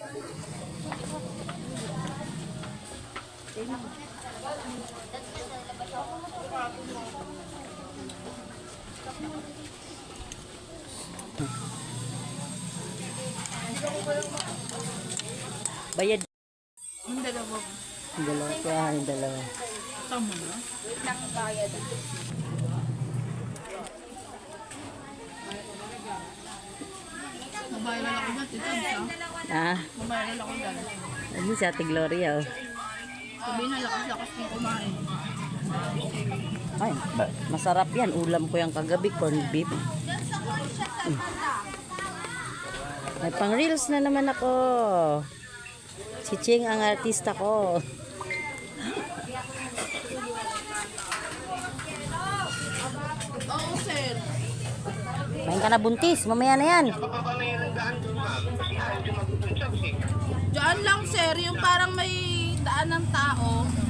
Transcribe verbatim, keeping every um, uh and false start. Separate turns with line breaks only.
Bayad.
Yung dalawa.
Yung dalawa. Kaya yung dalawa.
Tama na. Wait lang bayad. Mabayaran ako dyan. Tita,
Ah.
mabayaran ako dyan.
Ano si Ate Gloria, oh.
Sabihin na lakas-lakas kong kumain.
Ay, masarap yan. Ulam ko yung kagabi, corned beef. Mm. May pang reels na naman ako. Si Ching ang artista ko.
Oo, sir.
Main ka na buntis, mamaya na yan.
Diyan lang, sir. Yung parang may daan ng tao.